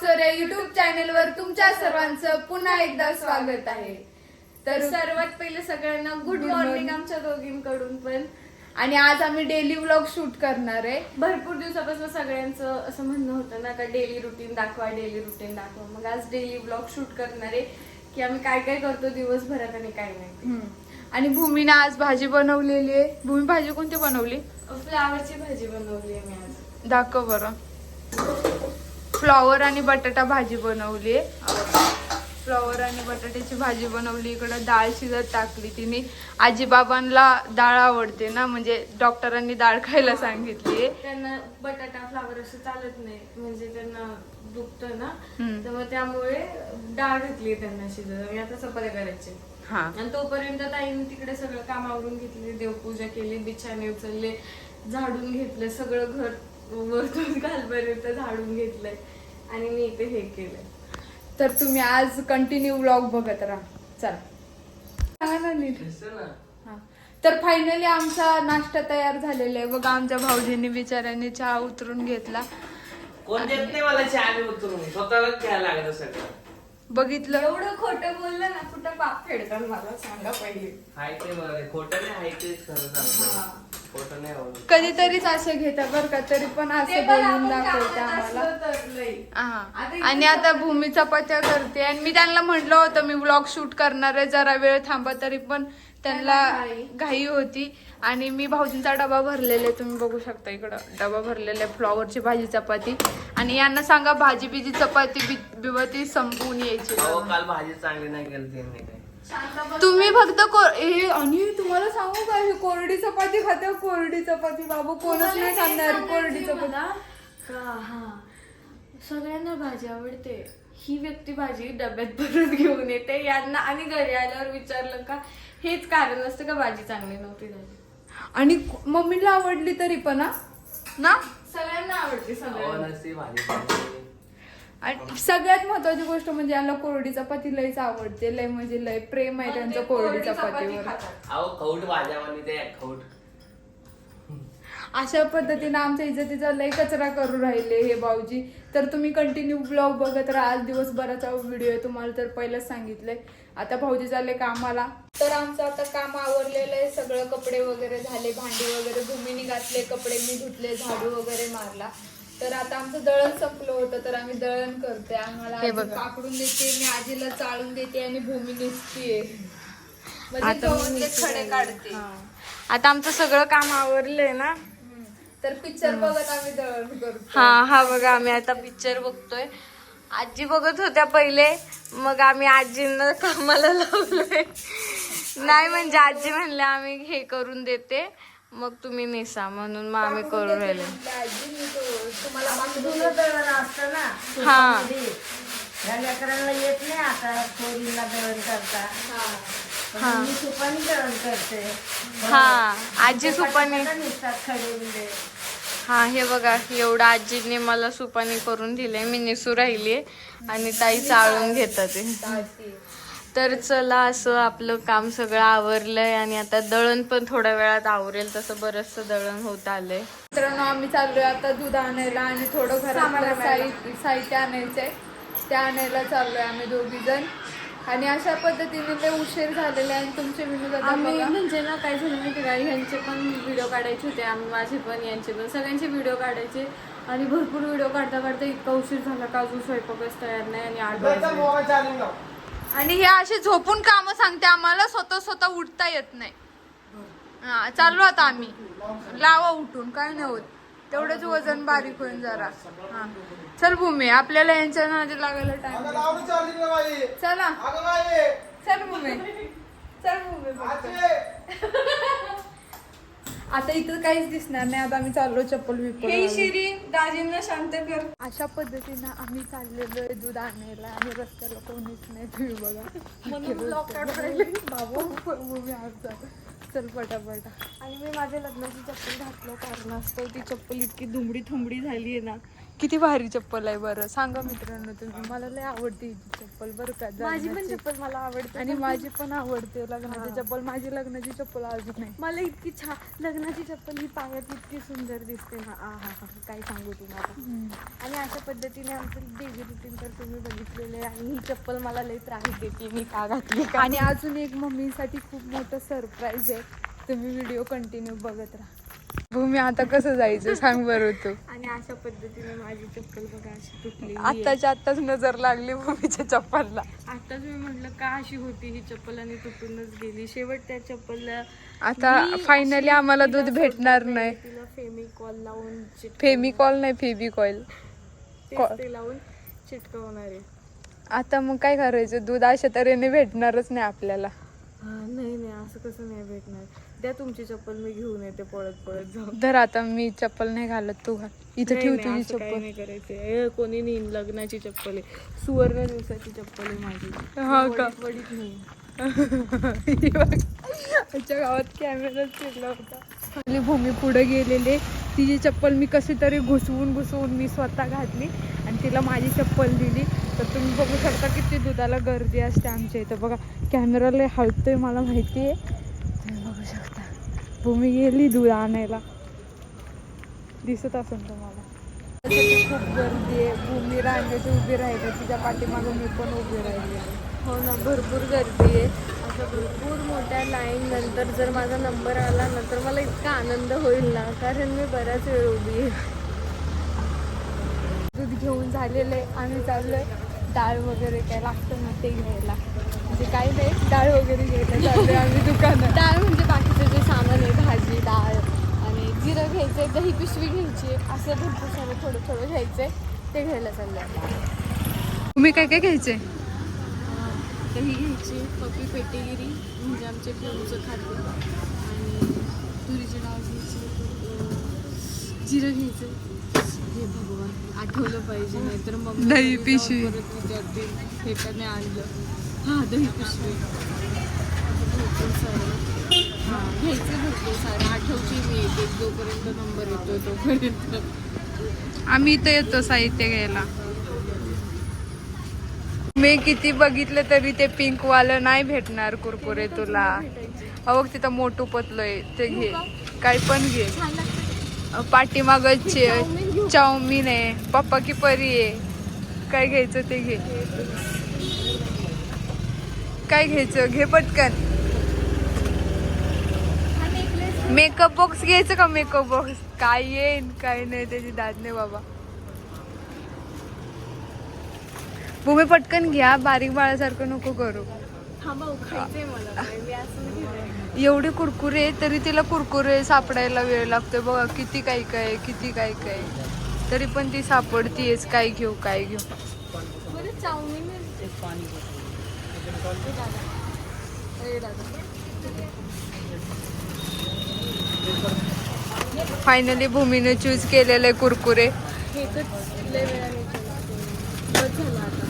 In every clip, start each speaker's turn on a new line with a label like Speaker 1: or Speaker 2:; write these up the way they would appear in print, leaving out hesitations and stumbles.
Speaker 1: वाकचोर या युट्यूब चॅनलवर तुमच्या सर्वांचं पुन्हा एकदा स्वागत आहे.
Speaker 2: तर सर्वात पहिले सगळ्यांना गुड मॉर्निंग आमच्या दोघींकडून पण.
Speaker 1: आणि आज आम्ही डेली व्लॉग शूट करणार आहे.
Speaker 2: भरपूर दिवसापासून सगळ्यांचं असं म्हणणं होतं ना का डेली रुटीन दाखवा, डेली रुटीन दाखवा. मग आज डेली व्लॉग शूट करणार आहे की आम्ही काय काय करतो दिवसभरात आणि काय नाही.
Speaker 1: आणि भूमीने आज भाजी बनवलेली आहे. भूमी भाजी कोणती बनवली?
Speaker 2: फ्लावरची भाजी बनवली आहे मी आज.
Speaker 1: दाखव बरं. फ्लॉवर आणि बटाटा भाजी बनवली आहे. फ्लॉवर आणि बटाट्याची भाजी बनवली. इकडं डाळ शिजत टाकली तिने. आजीबाबांना डाळ आवडते ना, म्हणजे डॉक्टरांनी डाळ खायला सांगितली.
Speaker 2: त्यांना बटाटा फ्लावर असं चालत नाही, म्हणजे त्यांना दुखतं ना, तर मग त्यामुळे डाळ घातली त्यांना शिजत. आणि आता चपात्या करायचे. आणि तोपर्यंत ताईने तिकडे सगळं काम आवरून घेतले, देवपूजा केली, बिछाने उचलले, झाडून घेतलं, सगळं घर वरतून खालपर्यंत झाडून घेतलंय आणि मी इथे हे केलंय.
Speaker 1: तर तुम्ही आज कंटिन्यू व्लॉग बघत राहा. चला सांगा ना नीट. तर फायनली आमचा नाश्ता तयार झालेला आहे बघा. आमच्या भाऊजींनी बिचाऱ्यांनी चहा उतरून घेतला.
Speaker 3: कोण देत नाही मला चहा उतरून, स्वतःलाच घ्यायला लागलं सगळं.
Speaker 1: बघितलं
Speaker 2: एवढं खोटं बोललं ना, कुठं पाप फेडतात मला सांगा पहिले.
Speaker 3: हाय ते बरं, खोटं नाही, हाय तेच खरं सांगतो. खोटं नाही आवडत.
Speaker 1: कधीतरीच असं घेता बरं का, तरी पण असं बोलून दाखवते आम्हाला. आणि आता भूमी चपात्या करते. आणि मी त्यांना म्हटलं होतं मी व्लॉग शूट करणार आहे, जरा वेळ थांबा, तरी पण त्यांना घाई होती. आणि मी भाऊजींचा डबा भरलेला आहे, तुम्ही बघू शकता इकडं डबा भरलेला आहे. फ्लॉवरची भाजी चपाती. आणि यांना सांगा भाजी बिजी चपाती बिबती संपवून यायची.
Speaker 3: काल भाजी चांगली नाही केली त्यांनी काय.
Speaker 1: तुम्ही फक्त आणि तुम्हाला सांगू का, ही कोरडी चपाती खाते. कोरडी चपाती बाबू कोणच नाही खाणार कोरडी चपाती.
Speaker 2: सगळ्यांना भाजी आवडते. ही व्यक्ती भाजी डब्यात भरून घेऊन येते यांना, आणि घरी आल्यावर विचारलं का हेच कारण असतं का भाजी चांगली नव्हती झाली.
Speaker 1: आणि मम्मीला आवडली तरी पण ना,
Speaker 2: सगळ्यांना आवडते.
Speaker 3: नसती भाजी चांगली.
Speaker 1: आणि सगळ्यात महत्वाची गोष्ट म्हणजे यांना कोरडी चपाती लयच आवडते. लय म्हणजे लय प्रेम आहे त्यांचं कोरडी चपातीवर.
Speaker 3: अहो खौट भाज्या म्हणजे ते खौट.
Speaker 1: अशा पद्धतीने आमच्या इज्जतीचा लय कचरा करू राहिले हे भाऊजी. तर तुम्ही कंटिन्यू ब्लॉग बघत राहा. आज दिवसभराचा व्हिडिओ आहे, तुम्हाला तर पहिलंच सांगितलंय. आता भाऊजी चालले कामाला. तर आमचं आता काम आवरलेलं आहे सगळं. कपडे वगैरे झाले, भांडी वगैरे भूमीने घातले, कपडे मी धुतले, झाडू वगैरे मारला. तर आता आमचं दळण संपलं होतं, तर आम्ही दळण करते. आम्हाला काकडून देते, मी आजीला चाळून देते आणि भूमी निघतीये म्हणजे खडे काढते.
Speaker 2: आता आमचं सगळं काम आवरलंय ना,
Speaker 1: तर पिक्चर बघत आम्ही दळण करतो.
Speaker 2: हा बघा आम्ही आता पिक्चर बघतोय. आजी बघत होत्या पहिले, मग आम्ही आजींना कामाला लावलोय. नाही म्हणजे आजी म्हणले आम्ही हे करून देते, मग तुम्ही नेसा, म्हणून मग आम्ही करून राहिले.
Speaker 4: लेकरांना येत नाही आता थोडीला दळण करता. मी सुपानी दळण करते.
Speaker 2: आजी सुपानी. हे बघा एवढं आजीने मला सुपानी करून दिले, मी निसू राहिलीये आणि ताई चाळून घेतात ते. तर चला, असं आपलं काम सगळं आवरलंय आणि आता दळण पण थोड्या वेळात आवरेल. तसं बरचसं दळण होत आलंय.
Speaker 1: मित्रांनो, आम्ही चाललोय आता दूध आणायला आणि थोडं घरातलं साहित्य आणायचंय, ते आणायला चाललोय आम्ही दोघी जण. आणि अशा पद्धतीने ते उशीर झालेले आहे. तुमचे विनोद
Speaker 2: आम्ही म्हणजे ना काय झालं माहिती का, ह्यांचे पण व्हिडिओ काढायचे होते, आम्ही माझे पण यांचे पण सगळ्यांचे व्हिडिओ काढायचे. आणि भरपूर व्हिडिओ काढता काढता इतका उशीर झाला का अजून स्वयंपाकच तयार नाही. आणि 8 वाजले.
Speaker 1: आणि हे असे झोपून काम सांगते आम्हाला, स्वतः उठता येत नाही. चाललो आता आम्ही. लावा उठून, काय नाही होत, तेवढंच वजन बारीक होईल जरा. चल भूमी, आपल्याला यांच्या नादी लागायला टाइम. चला चल भूमी, चल भूमी. आता इथं काहीच दिसणार नाही. आता आम्ही चाललो चप्पल विप्पल.
Speaker 2: शिरी दाजींना शांत कर.
Speaker 1: अशा पद्धतीनं आम्ही चाललेलो आहे दूध आणायला आणि रस्त्याला कोणीच नाही. तुम्ही बघा बाबू भूमी आमचा. चल पटापटा.
Speaker 2: आणि मी माझ्या लग्नाची चप्पल घातलं कारणास्तव ती चप्पल इतकी दुमडी थुमडी झाली आहे ना
Speaker 1: किती भारी चप्पल आहे बरं. सांगा मित्रांनो तुम्ही, मला लय आवडते ही चप्पल बरं का.
Speaker 2: माझी पण
Speaker 1: लग्नाची.
Speaker 2: चप्पल मला आवडते
Speaker 1: आणि माझी पण आवडते लग्नाची चप्पल. माझी लग्नाची चप्पल अजून नाही.
Speaker 2: मला इतकी छान लग्नाची चप्पल ही पायात इतकी सुंदर दिसते ना. हा काय सांगू तुम्हाला. आणि अशा पद्धतीने आमचं डेली रुटीन तर तुम्ही बघितलेलं आहे. आणि ही चप्पल मला लई त्रास देते, मी का घातली का.
Speaker 1: आणि अजून एक मम्मीसाठी खूप मोठं सरप्राईज आहे. तुम्ही व्हिडिओ कंटिन्यू बघत राहा. भूमी आता कसं जायचं सांग बरं तू.
Speaker 2: आणि अशा पद्धतीने माझी चप्पल बघा अशी तुटली.
Speaker 1: आत्ताच नजर लागली भूमीच्या चप्पलला.
Speaker 2: आताच मी म्हटलं का अशी होती ही चप्पल आणि तुटूनच गेली. शेवट त्या चप्पलला
Speaker 1: आता फायनली आम्हाला दूध भेटणार नाही.
Speaker 2: तिला फेमिकॉल लावून
Speaker 1: फेमिकॉल नाही, फेबिकॉईल.
Speaker 2: ते लावून चिटकवणार आहे.
Speaker 1: आता मग काय करायचं, दूध अशा तऱ्हेने भेटणारच नाही आपल्याला.
Speaker 2: नाही असं कसं नाही भेटणार. द्या तुमची चप्पल, मी घेऊन येते पळत जाऊन.
Speaker 1: धर आता, मी चप्पल नाही घालत, तू घाल. इथं ठेव तुझी चप्पल.
Speaker 2: नाही करायचे. कोणी नेईन, लग्नाची चप्पल आहे, सुवर्ण दिवसाची चप्पल आहे माझी.
Speaker 1: हा का?
Speaker 2: वडीत नाही.
Speaker 1: आमच्या गावात कॅमेरा फिरला होता. आपली भूमी पुढे गेलेले. तिची चप्पल मी कशी तरी घुसवून मी स्वतः घातली आणि तिला माझी चप्पल दिली. तर तुम्ही बघू शकता किती दुधाला गर्दी असते आमच्या इथं. बघा कॅमेरा लय हलतोय, मला माहिती आहे. तुम्ही बघू शकता भूमी गेली दूध आणायला. दिसत असेल तुम्हाला. खूप गर्दी आहे. भूमी रांगेत उभी राहिली, तिच्या पाठीमागं मी पण उभी राहिली.
Speaker 2: हो ना, भरपूर गर्दी आहे. असं भरपूर मोठ्या लाईन नंतर जर माझा नंबर आला ना तर मला इतका आनंद होईल ना, कारण मी बराच वेळ उभी आहे.
Speaker 1: दूध घेऊन झालेलं आहे. आम्ही चाललोय डाळ वगैरे काय लागतं ना ते घ्यायला. म्हणजे काही नाही, डाळ वगैरे घ्यायला चाललोय आम्ही दुकानात.
Speaker 2: डाळ म्हणजे बाकीचं जे सामान आहे, भाजी, डाळ आणि जिरं घ्यायचंय, दही पिशवी घ्यायची, असं भरपूर सारं थोडं घ्यायचंय, ते घ्यायला चाललंय.
Speaker 1: तुम्ही काय घ्यायचे?
Speaker 2: दही घ्यायची, पपी पेटेगिरी म्हणजे आमच्या पिऊचं खाद्य, आणि तुरीची डाळ घ्यायची, जिरं घ्यायचं. हे भगवान आठवलं पाहिजे, नाहीतर मग
Speaker 1: दही पिशवी
Speaker 2: परत विचारतील हे का नाही आणलं. हां, दही पिशवी भरपूर सारं घ्यायचं, भरपूर सारं आठवते मी एक जोपर्यंत नंबर येतो तोपर्यंत.
Speaker 1: आम्ही इथं येतो साहित्य घ्यायला. मी किती बघितलं तरी ते पिंक वालं नाही भेटणार कुरकुरे तुला. अहो तिथं मोठू पतलोय, ते घे, काय पण घे. पाठीमागं चाऊमिन आहे, पप्पा की परी आहे. काय घ्यायचं ते घे. काय घ्यायचं घे पटकन. मेकअप बॉक्स घ्यायचं का? मेकअप बॉक्स काय येईन काय नाही, त्याची दाद नाही बाबा. भूमी पटकन घ्या, बारीक बाळासारखं नको करू. एवढे कुरकुरे तरी तिला कुरकुरे सापडायला वेळ लागतोय. बघा किती काय काय तरी पण ती सापडतीयच. काय घेऊ
Speaker 2: चाऊमिन
Speaker 1: फायनली भूमीने चूज केलेले कुरकुरे.
Speaker 2: हे तर लय वेळाने बस झालं आता.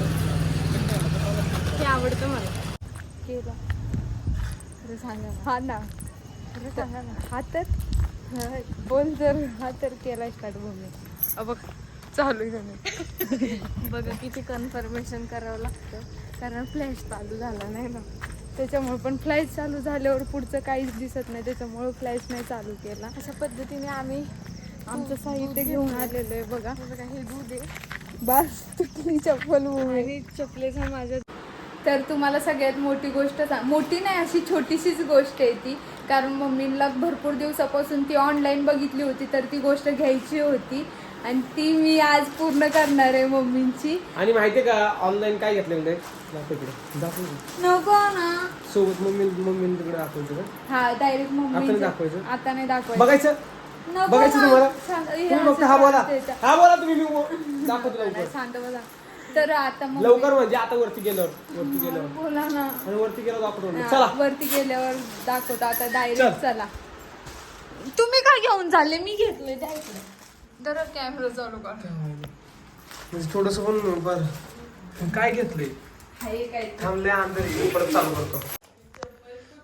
Speaker 2: मला हे आवडतं. मला
Speaker 1: केला
Speaker 2: खरं सांगा.
Speaker 1: हा ना,
Speaker 2: खरं सांगा ना.
Speaker 1: हा तर बोल जर. हा तर केला स्टार्ट भूमी. बघ चालू आहे.
Speaker 2: बघा किती कन्फर्मेशन करावं लागतं, कारण फ्लॅश चालू झाला नाही ना.
Speaker 1: त्याच्यामुळे पण फ्लॅश चालू झाल्यावर पुढचं काहीच दिसत नाही, त्याच्यामुळे फ्लॅश नाही चालू केला.
Speaker 2: अशा पद्धतीने आम्ही
Speaker 1: आमचं साहित्य घेऊन आलेलं आहे. बघा
Speaker 2: हे दूध आहे,
Speaker 1: बस तुटली चप्पल भूमी.
Speaker 2: आणि चपलेचा माझ्या.
Speaker 1: तर तुम्हाला सगळ्यात मोठी गोष्ट मोठी नाही, अशी छोटीशीच गोष्ट आहे ती. कारण मम्मीला भरपूर दिवसापासून ती ऑनलाईन बघितली होती, तर ती गोष्ट घ्यायची होती आणि ती मी आज पूर्ण करणार आहे मम्मींची.
Speaker 5: आणि माहितीये का ऑनलाईन काय घेतलं म्हणजे
Speaker 1: नको ना
Speaker 5: सोबत मम्मी तिकडे दाखवायचं.
Speaker 1: हा डायरेक्ट
Speaker 5: आता
Speaker 1: मम्मी
Speaker 5: नाही दाखवायचं,
Speaker 1: आता नाही दाखवायचं.
Speaker 5: बघायचं
Speaker 1: नको
Speaker 5: बघायचं
Speaker 1: ना.
Speaker 5: तुम्हाला.
Speaker 1: शांत- हे
Speaker 5: तुम्ही फक्त
Speaker 1: असं
Speaker 5: हा बोला,
Speaker 1: त्याचं.
Speaker 5: हा बोला तुम्ही, मी दाखवतो लवकर.
Speaker 1: शांत बघा. तर आता मग
Speaker 5: लवकर म्हणजे आता वरती गेल्यावर
Speaker 1: बोला ना.
Speaker 5: आणि वरती गेल्यावर दाखवतो.
Speaker 1: हा,
Speaker 5: चला
Speaker 1: वरती गेल्यावर दाखवतो. आता डायरेक्ट
Speaker 5: चल.
Speaker 1: चला. तुम्ही काय घेऊन झाले? मी घेतले जरा कॅमेरा चालू कर.
Speaker 5: म्हणजे थोडस पण बरं काय घेतलंय
Speaker 1: हाय काय
Speaker 5: थांबले अंदर परत चालू करतो.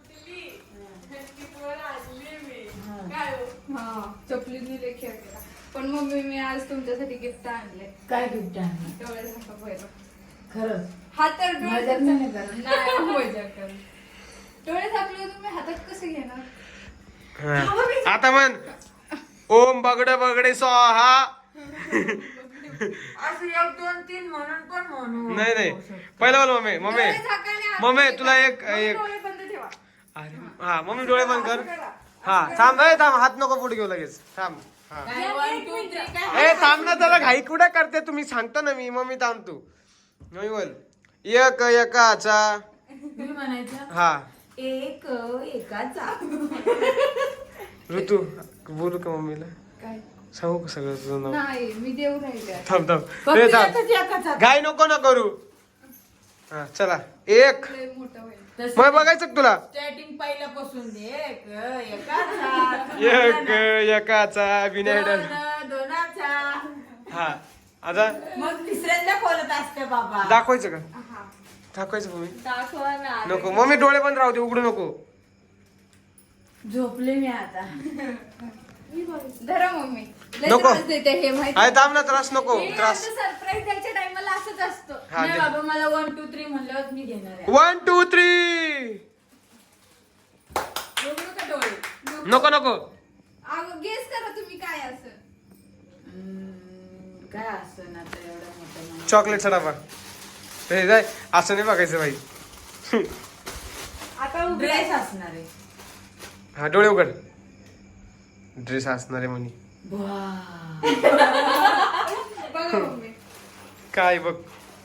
Speaker 1: हा चपलीने लेखी पण मम्मी मी आज तुमच्यासाठी गिफ्ट आणले.
Speaker 4: काय गिफ्ट आहे?
Speaker 1: डोळे झाका पहिलं.
Speaker 4: खरंच
Speaker 1: हा तर डोळे
Speaker 4: मजाक नाही करत.
Speaker 1: नाही मजाक करत. डोळे झाकले तुम्ही हातात कसे घेणार?
Speaker 5: हा. आता म्हण ओम बगडे बगडे स्वाहा.
Speaker 4: असं 1 2 3 म्हणून पण म्हणू.
Speaker 5: नाही नाही पहिलं बोल मम्मी मम्मी
Speaker 1: डोळे झाकाने हात
Speaker 5: मम्मी
Speaker 1: नाही
Speaker 5: तुला
Speaker 1: का?
Speaker 5: एक
Speaker 1: मग
Speaker 5: एक
Speaker 1: डोळे बंद ठेवा.
Speaker 5: अरे हा मम्मी डोळे बंद कर.
Speaker 1: असं करा.
Speaker 5: हा थांब थांब हात नको पुढे घेऊ लगेच थांब. हा
Speaker 4: काय 1 2 3 काय?
Speaker 5: ए थांब ना त्याला घाई कुठे करते तुम्ही सांगतो ना मी मम्मी थांब तू मम्मी बोल एक एकाचा
Speaker 4: मी म्हणायचं
Speaker 5: हा
Speaker 4: एक एकाचा.
Speaker 5: ऋतू बोलू का मम्मीला
Speaker 1: काय?
Speaker 5: सांगू का सगळं तुझं नाव
Speaker 1: नाही मी देऊ राहिले आता.
Speaker 5: थांब थांब
Speaker 4: फक्त
Speaker 5: ए, थांब
Speaker 4: एकाच एकाचा.
Speaker 5: घाई नको ना करू हा चला एक
Speaker 1: लय मोठं होईल.
Speaker 4: तसं
Speaker 5: मग बघायचं का तुला
Speaker 4: स्टार्टिंग पहिल्यापासून एक एकाचा.
Speaker 5: एक एकाचा विनायडर
Speaker 4: दोन दोनाचा.
Speaker 5: हा आता
Speaker 4: मग तिसऱ्यांदा बोलत असते बाबा.
Speaker 5: दाखवायचं का
Speaker 1: हा.
Speaker 5: दाखवायचं मम्मी
Speaker 2: दाखवा ना.
Speaker 5: नको मम्मी डोळे बंद राहू दे उघडू नको
Speaker 4: झोपले मी आता.
Speaker 1: धरा मम्मी. लय
Speaker 5: नको.
Speaker 1: त्रास देते हे माहिती.
Speaker 5: अरे थांब ना त्रास नको त्रास
Speaker 1: सरप्राईज द्यायच्या टाइमला असंच असतं.
Speaker 5: हा
Speaker 4: नाही बाबा मला 1 2 3 म्हणल्यावर मी घेणार आहे.
Speaker 5: 1 2 3
Speaker 4: उघडू का डोळे?
Speaker 5: नको नको
Speaker 1: गेस करा तुम्ही काय असं.
Speaker 4: काय असतं ना आता एवढं मोठं
Speaker 5: चॉकलेटचा डबा हे जाय असं नाही बघायचं बाई
Speaker 1: आता
Speaker 4: ड्रेस असणार आहे.
Speaker 5: हा डोळे उघड ड्रेस असणार आहे म्हणे
Speaker 1: बघा मम्मी.
Speaker 5: काय बघ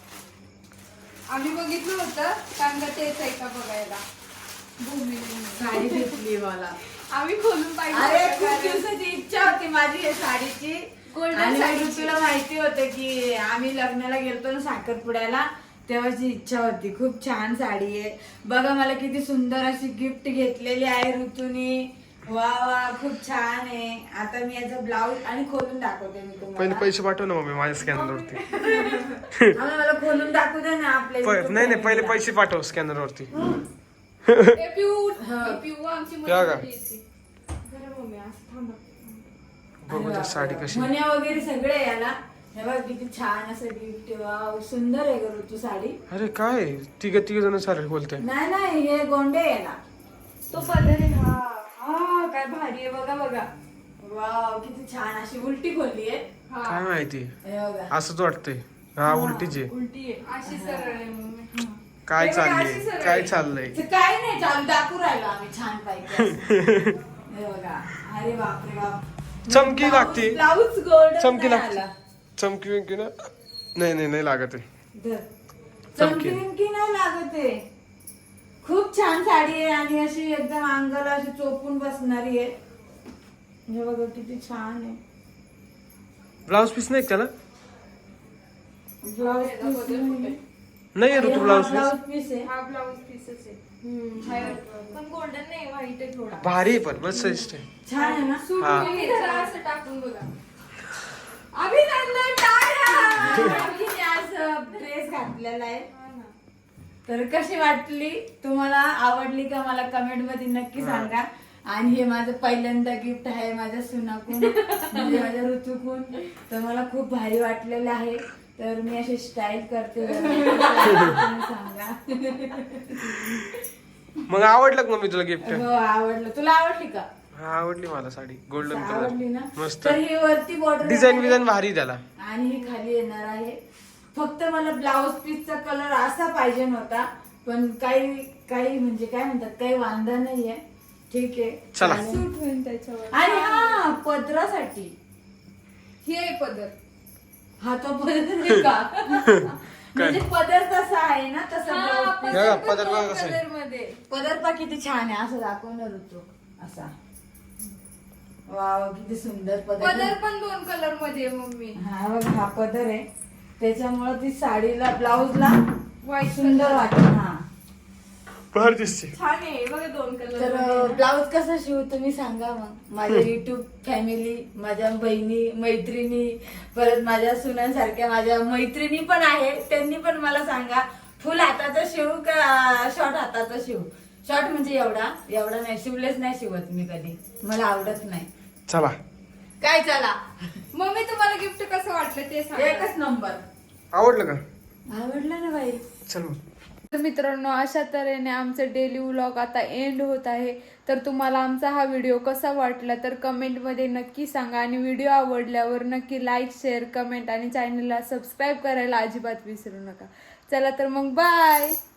Speaker 1: आम्ही बघितलं होतं कारण का तेच आहे का बघायला. भूमीने.
Speaker 4: साडी घेतली मला.
Speaker 1: आम्ही खोलून पाहिजे
Speaker 4: अरे
Speaker 1: होतं
Speaker 4: खूप
Speaker 1: कारण
Speaker 4: दिवसाची इच्छा होती माझी हे साडीची.
Speaker 1: Golden
Speaker 4: आणि
Speaker 1: साडीची.
Speaker 4: तुला माहिती होतं की आम्ही लग्नाला गेलतो ना साखरपुड्याला तेव्हाची इच्छा होती. खूप छान साडी आहे बघा. मला किती सुंदर अशी गिफ्ट घेतलेली आहे ऋतूनी. वा वा खूप छान आहे. आता मी याचा ब्लाऊज आणि खोलून दाखवते मी
Speaker 5: पहिले
Speaker 4: तुम्हाला.
Speaker 5: पैसे पाठव ना मम्मी माझ्या स्कॅनर वरती
Speaker 4: आम्हाला मला खोलून दाखवू दे ना आपल्या YouTube
Speaker 5: नाही नाही पहिले
Speaker 4: channel ला.
Speaker 5: पैसे पाठव स्कॅनर वरती
Speaker 1: हे पिऊ आमची
Speaker 5: त्या का?
Speaker 1: मुलगी होती.
Speaker 2: जरा मम्मी असं थांबा.
Speaker 5: बघू तर साडी कशी
Speaker 4: मण्या वगैरे सगळे याला. हे बघ किती छान असं गिफ्ट. वाव सुंदर आहे ग ऋतू साडी.
Speaker 5: अरे काय तिघ जण सारे बोलते
Speaker 4: नाही नाही हे गोंडे याला.
Speaker 2: तो पदर आहे. हा हा काय भारी आहे बघा बघा.
Speaker 4: वाव किती छान अशी उलटी खोलली आहे.
Speaker 5: काय माहिती
Speaker 4: हे बघा.
Speaker 5: असंच वाटतंय हा उलटीचे
Speaker 2: उलटी आहे.
Speaker 1: अशी सरळ आहे मम्मी.
Speaker 5: काय
Speaker 1: हे बघा, अशी
Speaker 5: चाललंय
Speaker 1: सरळ
Speaker 5: काय
Speaker 1: आहे.
Speaker 5: चाललंय
Speaker 4: ते काय नाही चालू दाखवू राहिलो आम्ही छान पैकी. हे बघा. अरे बापरे बाप.
Speaker 5: चमकी लागते
Speaker 4: ब्लाऊज गोल्ड
Speaker 5: चमकी लागते चमकी विमकी ना नाही लागत आहे
Speaker 4: चमकी विमकी नाही लागत आहे. खूप छान साडी आहे आणि अशी एकदम अंगाला अशी चोपून बसणारी आहे. हे बघा किती छान आहे.
Speaker 5: ब्लाऊज पीस नाही का त्याला
Speaker 4: ब्लाऊज पीस
Speaker 5: नाही आहे ऋतू ब्लाऊज पीस
Speaker 4: ब्लाऊज पीस आहे.
Speaker 1: हा ब्लाऊज पीसच आहे.
Speaker 2: पण गोल्डन नाही व्हाईट आहे थोडा.
Speaker 5: भारी आहे पण मस्त दिसते
Speaker 4: छान आहे ना.
Speaker 1: सूट
Speaker 5: हा.
Speaker 1: तुम्ही जरा असं टाकून बघा. अभिनंदन टाळ्या.
Speaker 4: तिने आज ड्रेस घातलेला आहे. तर कशी वाटली तुम्हाला आवडली का मला कमेंट मध्ये नक्की सांगा. आणि हे माझं पहिल्यांदा गिफ्ट आहे माझ्या सुनाकून म्हणजे माझ्या ऋतूकून. तर मला खूप भारी वाटलेलं आहे. तर मी अशी स्टाईल करते तुम्ही सांगा.
Speaker 5: मग आवडलं का मम्मी तुला गिफ्ट
Speaker 4: हो आवडलं. तुला आवडली का?
Speaker 5: हा आवडली मला साडी गोल्डन
Speaker 4: आवडली ना.
Speaker 5: कलर मस्त
Speaker 4: तर ही वरती बॉर्डर
Speaker 5: डिझाईन भारी त्याला
Speaker 4: आणि ही खाली येणार आहे. फक्त मला ब्लाऊज पीसचा कलर असा पाहिजे नव्हता. पण काही म्हणजे काय म्हणतात काही वांदा नाहीये. ठीक आहे
Speaker 5: चला.
Speaker 4: चालेल.
Speaker 1: सूट होईल त्याच्यावर.
Speaker 4: आणि हा पदरासाठी
Speaker 1: हे आहे पदर.
Speaker 4: हा तो पदर आहे का? म्हणजे पदर तसा आहे ना तसा
Speaker 1: हा,
Speaker 4: ब्लाऊज पीस.
Speaker 5: बघा,
Speaker 1: पण
Speaker 5: पदर बघा
Speaker 1: दोन
Speaker 5: कसं आहे.
Speaker 1: कलरमध्ये.
Speaker 4: पदर पा किती छान आहे असं दाखवणार होतो असा. वाव किती सुंदर
Speaker 1: पदर पण 2 कलर मध्ये आहे मम्मी.
Speaker 4: हा बघ हा पदर आहे त्याच्यामुळे ती साडीला ब्लाऊजला
Speaker 1: व्हाईट
Speaker 4: सुंदर वाटत. हा
Speaker 5: भारी दिसते
Speaker 2: छान आहे बघा 2 कलर.
Speaker 4: तर ब्लाऊज कसं शिवू तुम्ही सांगा मग. माझ्या युट्यूब फॅमिली माझ्या बहिणी मैत्रिणी परत माझ्या सुनांसारख्या माझ्या मैत्रिणी पण आहे त्यांनी पण मला सांगा फुल हाताचा शिवू का शॉर्ट हाताचा शिवू. शॉर्ट म्हणजे एवढा नाही शिवलेच नाही शिवत मी कधी. मला आवडत नाही.
Speaker 5: चला
Speaker 4: काय चला
Speaker 1: मम्मी तुम्हाला गिफ्ट कसं वाटलं ते सांगा.
Speaker 4: एकच नंबर.
Speaker 5: आवडलं का?
Speaker 4: आवडलं ना बाई.
Speaker 5: चल मग.
Speaker 1: तर मित्रांनो, अशा तऱ्हेने आमचं डेली व्लॉग आता एंड होत आहे. तर तुम्हाला आमचा हा व्हिडिओ कसा वाटला तर कमेंटमध्ये नक्की सांगा आणि व्हिडिओ आवडल्यावर नक्की लाईक शेअर कमेंट आणि चॅनलला सबस्क्राईब करायला अजिबात विसरू नका. चला तर मग बाय.